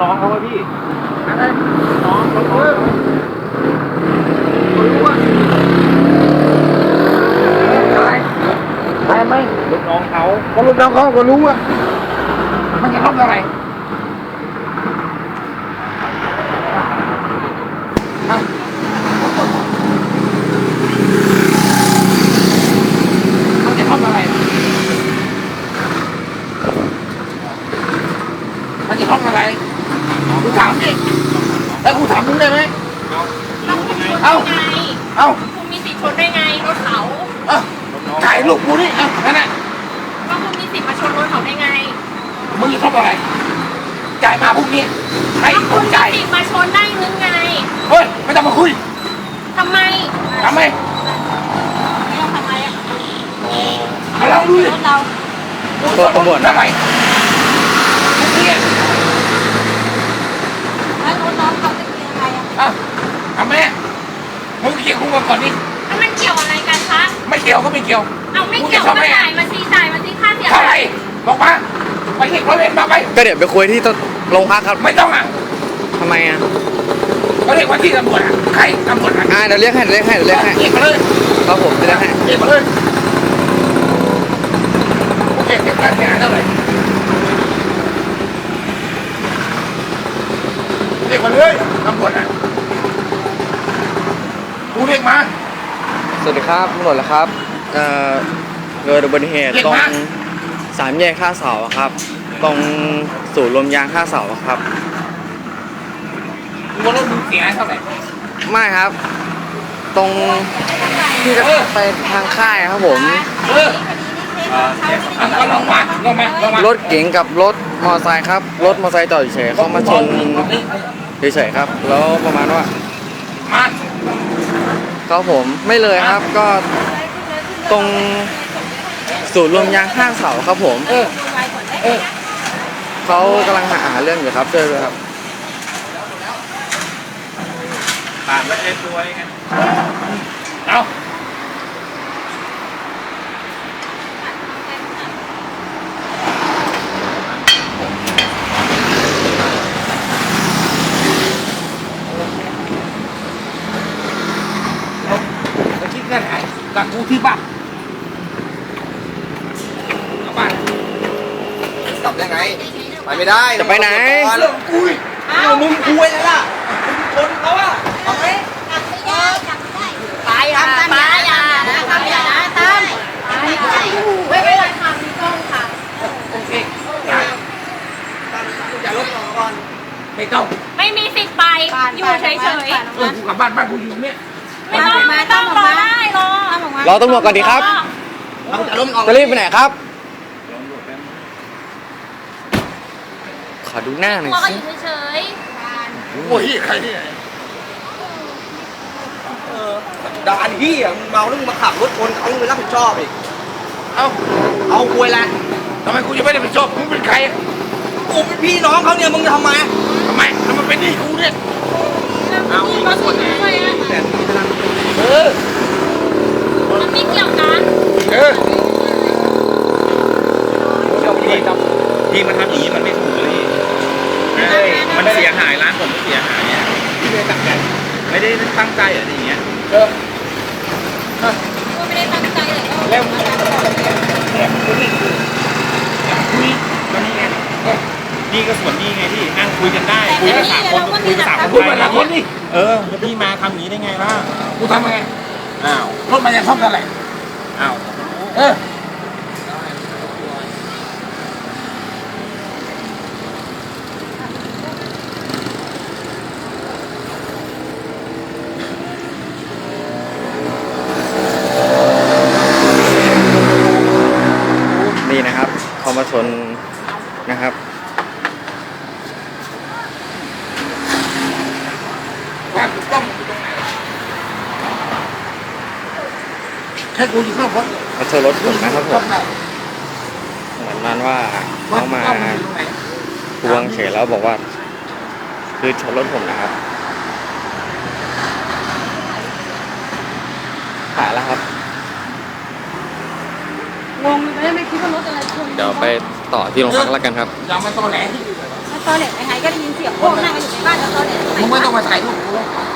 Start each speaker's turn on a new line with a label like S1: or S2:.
S1: น้องเขาไหมพี่อะไรน้องเขารู้ว่าอะไรอะไรไหมลูกน้องเขาก็ลูกน้องเขาก็รู้ว่ามันจะทำอะไรมันจะทำอะไรมันจะทำอะไรกูถามเองแล้วกูถามมึงได้ไหมเอา
S2: คุณมีสิทธิ์ชนได้ไงรถเขา
S1: ถ่ายลูกกูนี่นั่นแหละ
S2: ก็คุณมีสิทธิ์มาชนรถเขาได้ไง
S1: มึงจะทำอะไรจ่ายมาพวกนี้ให้ผมจ่าย
S2: คุณมีสิทธิ์มาชนได้หรือไง
S1: เฮ้ยไม่ต้องมาคุย
S2: ทำไม
S1: ไม่
S2: ต้องทำไม
S1: เราดูดิ
S2: ตัว
S1: ตำรวจทำไมเนี่ย
S2: แล้วรถน้องเขาจะเป็นยังไง
S1: ทำไมมึงเกี่ยวกับก่อนนี่
S2: มันเกี่ยวอะไรกันคะ
S1: ไม่เกี่ยวก็ไม่เกี่ยว
S2: เอาไม่เกี่ยวก็จ่ายมาสิค่าเสีย
S1: เท่าไหร่บอกมาไปเรียกร้อยเวรมาไป
S3: ก็เดี๋ยวไปคุยที่โรงพักครับ
S1: ไม่ต้อง
S3: ทำไม
S1: ก็เรียกว่าที่ตำรวจใครตำรวจ
S3: เดี๋ยวเรียกให้เรียก
S1: มาเลย
S3: ครับผมเรียกให้
S1: เรียกมาเลยโอเคเก็บการเสียหายเท่าไหร่เรียกมาเลยตำรวจกูเรียกมา
S3: สวัสดีครับตำรวจแล้วครับเกิดอุบัติเหตุตรง3 แยกท่าเสาครับตรงศูนย์รวมยางท่าเสาครับ
S1: ว่ารถมึงเสียเท่าไหร่
S3: ไม่ครับตรงที่จะไปทางค่ายครับผมรถเก๋งกับรถมอเตอร์ไซค์ครับรถมอเตอร์ไซค์จอดเฉยเขามาชนเฉยๆครับแล้วประมาณว่าครับผมไม่เลยครับก็ตรงศูนย์รวมยางข้างเสาครับผมเขากำลังหาเรื่องอยู่ครับช่วยด้วยครับ
S1: ผ่านแล้วเอ็นตัวยังไงเอาคิดกันไหนกับกูที่บ้าน
S3: กลับยังไงไปไม่ได้จะไปไหน
S1: เรื่องกู
S3: มึงคุยแล้วล่ะคนเขาอะ
S2: เอาไปจับไม่ได้ไปอย่านะทำอย่านะตั้มไม่เป็นไรค่ะมีกล้องค่ะ
S1: โอเคอย่าลบก่อนไม่ต้อง
S2: ไม่มีสิทธิ์ไปอยู่เฉยๆ
S1: กูกลับบ้านกูอยู่เนี่ย
S2: ไม่ต้องรอได้
S3: รอตำรวจก่อนดีครับจะรีบไปไหนครับขอดูหน้าหน่อยสิ
S2: อยู่เฉย
S1: โอ้ยใครเนี่ย
S3: ด่านที่มึงเมาแล้วมึงมาขับรถชนเขามึงไม่รับผิดชอบอีกเอาคุยละ
S1: ทำไมกูจะไม่ได้ไปชอบมึงเป็นใคร
S3: กูเป็นพี่น้องเขาเนี่ยมึงจะทำไม
S1: แล้วมันเป็นนี่กูเนี่ย
S2: เอาก็ส่วนนี้มันไม่เกี่ยวกัน
S1: พี่มันทำอย่างนี้มันไม่ถูกเลยมันเสียหายร้านผมเสียหายเนี่ยไม่ได้ตั้งใจไม่ได้ตั้งใจอะไรอย่างเงี้ย
S2: ไม่ได้ตั้งใจเลย
S1: แล้วคุยมันนี่ไงนี่ก็ส่วนนี้ไงที่นั่งคุยกันได้คุยกัน3 คนคุยกัน3 คนคุยกัน3 คนนี่แล้วพี่มาทำอย่างนี้ได้ไงล่ะกูทำไงรถมันยังซ่อมกันอะไร
S3: นี่นะครับเขามาชนนะครับ
S1: แค่กูอยู่ข้างรถ
S3: เขาชนรถผมนะครับผมเหมือนนั้นว่าเขามาทวงเฉยแล้วบอกว่าคือชนรถผมนะครับหายแล้วครับ
S2: งงเลยไม่คิดว่ารถอะไรชน
S3: เดี๋ยวไปต่อที่โรงพักแล้วกันครับ
S1: ยังไม่ต้องแหล
S2: ตอนเน็ตยังไงก็ได้ยินเสียงพวกนั่งกันอยู่ในบ้านแล้วตอนเน็ต
S4: มึงไม่ต้องมาถ่ายรูปกู